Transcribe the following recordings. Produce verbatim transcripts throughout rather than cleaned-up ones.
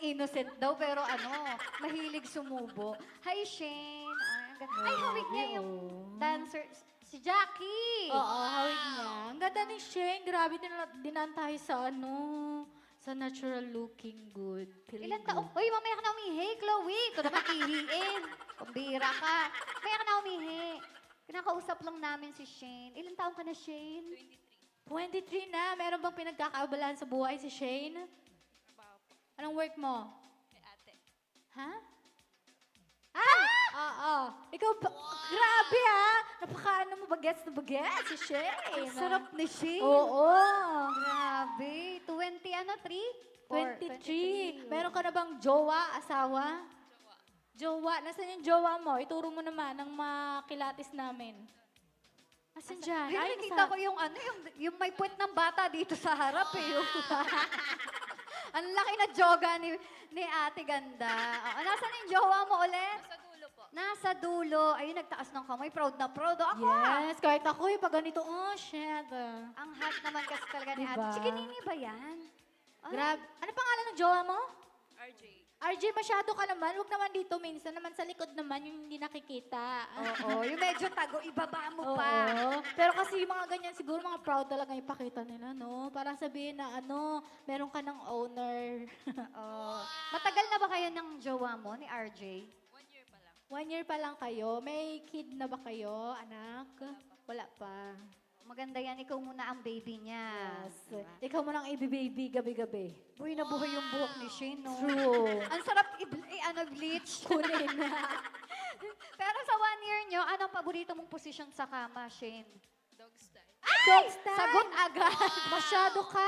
innocent daw, pero ano, mahilig sumubo. Hi, Shane. Ay, ang ganda. Ay, hawig niya yung dancer. Si Jackie. Oo, hawig niya. Ang ganda ni Shane. Grabe, din- dinan tayo sa ano, sa natural looking good. Feeling Ilan good. taon? Uy, mamaya ka na umihi, Chloe. Ito naman ihiin. Pambira ka. Mamaya ka na umihi. Kinakausap lang namin si Shane. Ilan taon ka na, Shane? twenty-three na. Meron bang pinagkakaabalahan sa buhay si Shane? Anong work mo? Kay ate. Ha? Ah! Oo. Ikaw ba? Grabe ah! Napaka-ano mo bagets na bagets si Shane. Ang sarap ni Shane. Oo. Grabe. twenty, ano, three? Four, twenty-three. Meron ka na bang jowa, asawa? Jowa. Nasaan yung jowa mo? Ituro mo naman ang makilatis namin. Asan dyan? Ay, Ay, nakita nasa- ko yung ano, yung, yung may puwet ng bata dito sa harap eh. Yung, ang laki na joga ni, ni ate ganda. Oh, nasaan yung jowa mo ulit? Sa dulo po. Nasa dulo. Ayun, nagtaas ng kamay. Proud na proud. Ako ah. Yes, kahit ako eh, pag ganito, oh shit. ah. Ang hot naman kasi talaga ni ate. Diba? Chikinini ba yan? Ay, Grab. Ano pangalan ng jowa mo? R J. R J, masyado ka naman. Huwag naman dito, minsan naman sa likod naman yung hindi nakikita. Oo, yung medyo tago, ibaba mo Oo. pa. Pero kasi yung mga ganyan, siguro mga proud talaga ipakita nila, no? Para sabihin na ano, meron ka ng owner. Oo. Matagal na ba kayo ng jowa mo ni R J? One year pa lang. One year pa lang kayo. May kid na ba kayo, anak? Wala pa. Maganda yan, ikaw muna ang baby niya. Yes. Ikaw mo nang i-baby gabi-gabi. Buhay na buhay yung buhok ni Shane, no? True. Ang sarap i- i- ano, bleach. Kunin na. Pero sa one year nyo, anong paborito mong position sa kama, Shane? Dog style. Dog style. Sagot agad. Masyado ka.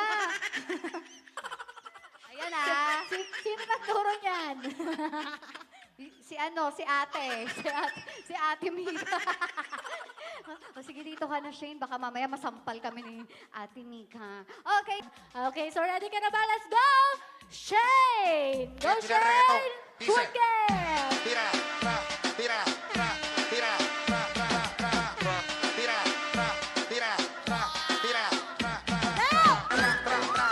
Ayan ah. Si, sino nagturo niyan? Si ano, si ate. Si ate, si ate Mika. O sige, dito ka na, Shane. Baka mamaya masampal kami ni ate Mika. Okay. Okay, so ready ka na ba? Let's go! Shane! Go, Tira, tira, reto. Shane! Dice. Good game! Tira, tra, tira, tra, tira, tra, tra, tra, tra, tira, tra, tira, tra, tira, tra, tra, tra, tra, tra, tra, tra, tra, tra, tra, tra, tra, tra, tra, tra, tra, tra, tra, tra,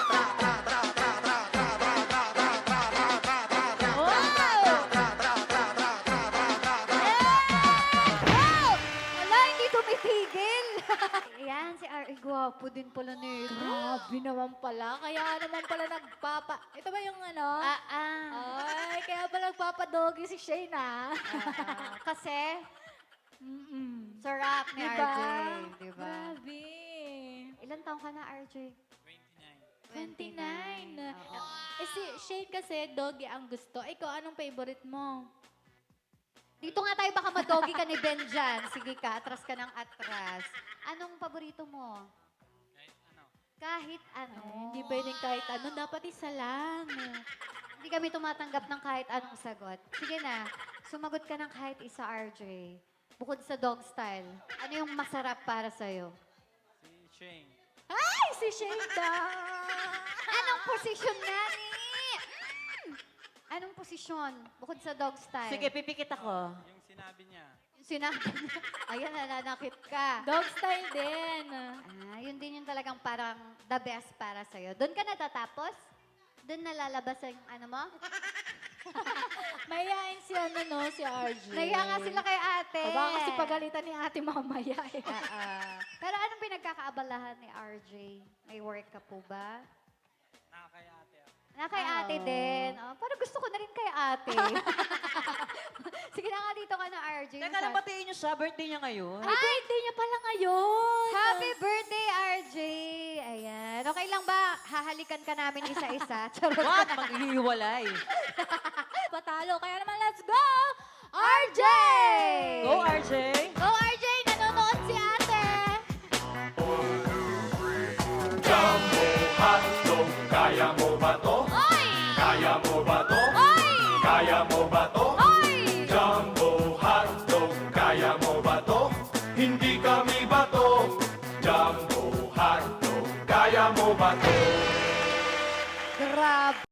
Wala, hindi tumitigil. Ayan, si R. Gwapo din pala nito. Grabe naman pala. Kaya naman pala nagpapa... Ito ba yung ano? Ah, ah. Ay, kaya pala nagpapadogi si Shane, ah. Ah, kasi, Mm-mm. sarap ni Diba? R J. Diba? Grabe. Ilan taong ka na, R J? twenty-nine. Oo. Eh si Shane kasi, doggy ang gusto. Ikaw, anong favorite mo? Dito nga tayo, baka madogi ka ni Ben dyan. Sige ka, atras ka ng atras. Anong paborito mo? Kahit ano. Ay, hindi pwedeng kahit ano. Dapat isa lang. Hindi kami tumatanggap ng kahit anong sagot. Sige na, sumagot ka ng kahit isa, R J. Bukod sa dog style, ano yung masarap para sa'yo? Si Shane. Ay, si Shane daw. Anong posisyon nga ni? Mm. Anong posisyon bukod sa dog style? Sige, pipikit ako. Yung sinabi niya. Sinabi niya. Ayan, nananakit ka. Dog style din. Ah, yun din yung talagang parang the best para sa'yo. Doon ka natatapos? Doon nalalabas yung ano mo? Mayayain si ano, no, si R J. Nahiya nga sila kay ate. O baka kasi pagalitan ni ate mamaya eh. Ah, ah. Pero anong pinagkakaabalahan ni R J? May work ka po ba? Nakakaya ate ako. Na kay Ah, ate oo. din. Oh, parang gusto ko na rin kay ate. Sige na nga, dito ka na, R J. Teka lang, batiin niyo siya. Birthday niya ngayon. Ay, birthday niya pala ngayon. Happy birthday, R J! Ayan. Okay lang ba? Hahalikan ka namin isa-isa. Charot. What? Maghihiwalay. Patalo. Kaya naman, let's go! R J! Go, R J. Go, R J!